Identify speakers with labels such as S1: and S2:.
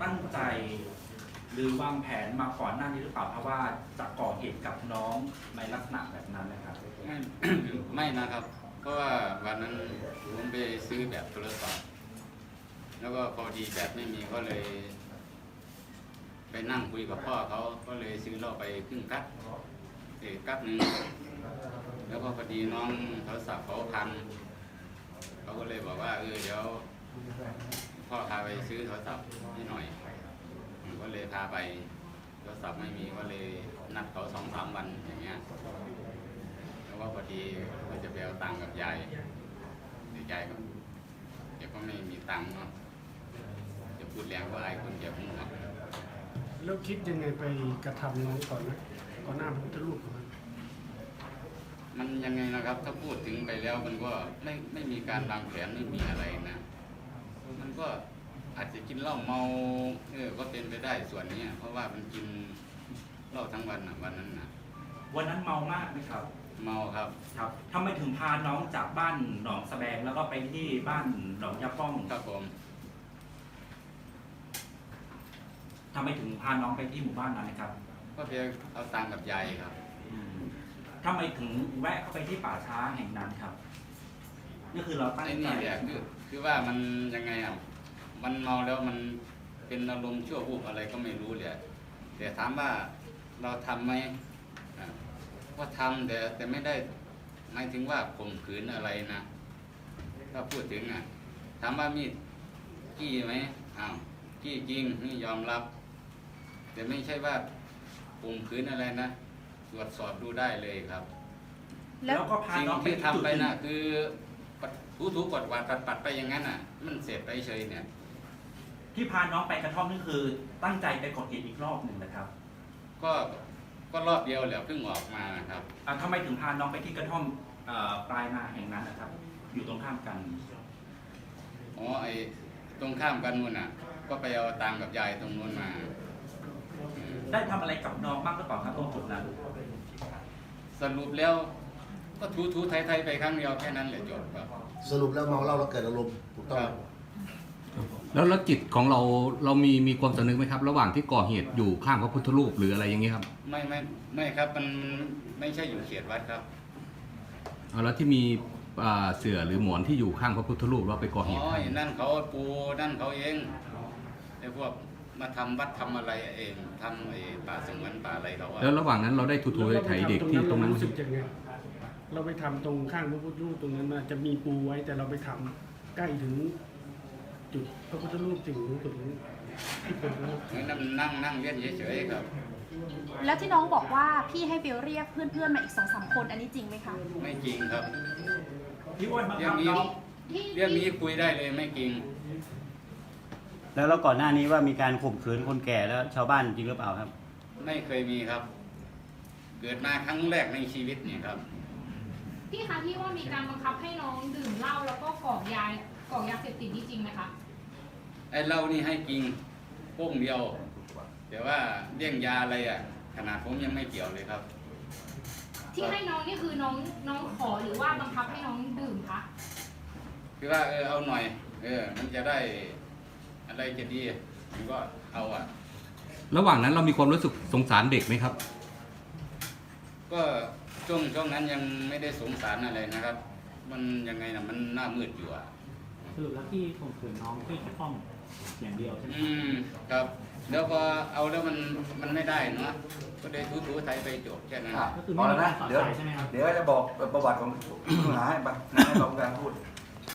S1: ตั้งใจหรือวางแผนมาก่อนหน้านี้หรือเปล่าเพราะว่าจะก่อเหตุกับน้องในลักษณะแบบนั้นนะครับ
S2: ไม่ ไม่นะครับ เพราะว่าวันนั้นผมไปซื้อแบบโทรศัพท์แล้วก็พอดีแบบไม่มีก็เลย ไปนั่งคุยกับพ่อเขาก็เลยซื้อเหล้าไปครึ่งกั๊กกั๊กหนึ่งแล้วก็พอดีน้องโทรศัพท์เขาพังเขาก็เลยบอกว่าเดี๋ยวพ่อพาไปซื้อโทรศัพท์ให้หน่อยผมก็เลยพาไปโทรศัพท์ไม่มีก็เลยนัดเขา2-3 วันอย่างเงี้ยแล้วก็พอดีก็จะไปเอาตังค์กับยายแต่ยายก็เดี๋ยวก็ไม่มีตังค์เนาะจะพูดแรงก็อายคนเจ็บหัว
S3: แล้วคิดยังไงไปกระทำน้องก่อนนะก่อนหน้าพระพุทธรูปมัน
S2: มันยังไงนะครับ ถ้าพูดถึงไปแล้วมันก็ไม่มีการวางแผนไม่มีอะไรนะมันก็อาจจะกินเหล้าเมาก็เป็นไปได้ส่วนนี้เพราะว่ามันกินเหล้าทั้งวันนะวันนั้นนะ
S1: วันนั้นเมามากไหมครับ
S2: เมาครับ
S1: ครับทำไมถึงพาน้องจากบ้านหนองสะแบงแล้วก็ไปที่บ้านหนองยาป้อง
S2: ครับผม
S1: ทำไมถึงพาน้องไปที่หมู่บ้านนั้นนะครับ
S2: ก็เพียงเอาตังค์กับยายครับ
S1: ทำไมถึงแวะเข้าไปที่ป่าช้าแห่งนั้นครับนี่คือเราตั้ง
S2: ไอ้
S1: ใจ
S2: นี่แหละคือว่ามันยังไงอ่ะมันเมาแล้วมันเป็นอารมณ์ชั่ววูบอะไรก็ไม่รู้เลยแต่ถามว่าเราทำไหมก็ทำแต่ไม่ได้หมายถึงว่าข่มขืนอะไรนะถ้าพูดถึงถามว่ามีจี้ไหมจี้จริงนี่ยอมรับ แต่ไม่ใช่ว่าข่มขืนอะไรนะตรวจสอบดูได้เลยครับ
S1: แล้วก็พา
S2: สิ่ง
S1: น้องไป
S2: ที่ทำไป
S1: จุด
S2: นะคือถูกดวาดปัดไปอย่างนั้นมันเสร็จไปเฉยเนี่ย
S1: ที่พาน้องไปกระท่อมนี่คือตั้งใจไปก่อเหตุอีกรอบหนึ่งนะครับ
S2: ก็รอบเดียวแหละเพิ่งออกมานะครับ
S1: ทำไมถึงพาน้องไปที่กระท่อมปลายนาแห่งนั้นนะครับ อยู่ตรงข้ามกัน
S2: ไอ้ตรงข้ามกันนู่นก็ไปเอาตังค์กับยายตรงนู้นมา
S1: ได้ทำอะไรกับน้องบ้างหรือเปล่าครับตรงจุดนั้น
S2: สรุปแล้วก็ถูไทยไปครั้งเดียวแค่นั้นแหละจบครับ
S4: สรุปแล้วเมาเหล้าแล้วเกิดอารมณ์ถูกต้อง
S5: แล้วจิตของเรามีความสำนึกไหมครับ ระหว่างที่ก่อเหตุอยู่ข้างพระพุทธรูปหรืออะไรอย่างเงี้ยครับ
S2: ไม่ครับมันไม่ใช่อยู่เขตวัดครับ
S5: แล้วที่มีเสื่อหรือหมอนที่อยู่ข้างพระพุทธรูปเราไปก่อเหตุ
S2: นั่นเขาปูนั่นเขาเองไอ้พวกมาทำวัดทำอะไรเองทำไอ้ป่าสงวนป่าอะไรเขา
S5: แล้วระหว่างนั้นเราได้ทูไถเด็กที่ตรงนั้น
S3: รู้สึกยังไงเราไปทำตรงข้างพระพุทธรูปตรงนั้นมาจะมีปูไว้แต่เราไปทำใกล้ถึงจุดพระพุทธรูปถึงจุดนี้ที่เป็นพระ
S2: นั่งเล่นเฉยๆครับ
S6: แล้วที่น้องบอกว่าพี่ให้ไปเรียกเพื่อนๆมาอีก2-3 คนอันนี้จริงไหมคะ
S2: ไม่จริงครับ
S1: พี่อ้วนบัง
S2: เรื่อ
S1: คั
S2: ง
S1: บ
S2: นี้
S1: น้อง
S2: เรื่องนี้คุยได้เลยไม่จริง
S7: แล้วก่อนหน้านี้ว่ามีการข่มขืนคนแก่แล้วชาวบ้านจริงหรือเปล่าครับ
S2: ไม่เคยมีครับ เกิดมาครั้งแรกในชีวิตเนี่ยครับ
S8: พี่คะที่ว่ามีการบังคับให้น้องดื่มเหล้าแล้วก็กรอกยาเสพติดนี่จริงไหมคะ
S2: ไอ้เหล้านี่ให้จริงโป้งเดียว แต่ว่าเรื่องยาอะไรขนาดผมยังไม่เกี่ยวเลยครับ
S8: ที่ให้น้องนี่คือน้องขอหรือว่าบังคับให้น้องดื่มคะ
S2: คือว่าเอาหน่อยมันจะได้อะไรจะดีผมก็เอา
S5: ระหว่างนั้นเรามีความรู้สึกสงสารเด็กไหมครับ
S2: ก็ช่วงนั้นยังไม่ได้สงสารอะไรนะครับ มันยังไงมันหน้ามืดอยู่
S9: สรุปแล้วที่ข่มขืนน้องที่กระท่อมอย่างเดียวใช่ไหม
S2: ครับแล้วพอเอาแล้วมันไม่ได้เนาะก็เลยถูไทยไปจบแค่นั้น
S9: ก็คือไม่มีการสอดใส่ใช่ไหมครับ
S10: เดี๋ยวจะบอกประวัติของผู้ต้องหาให้กรรมการพูด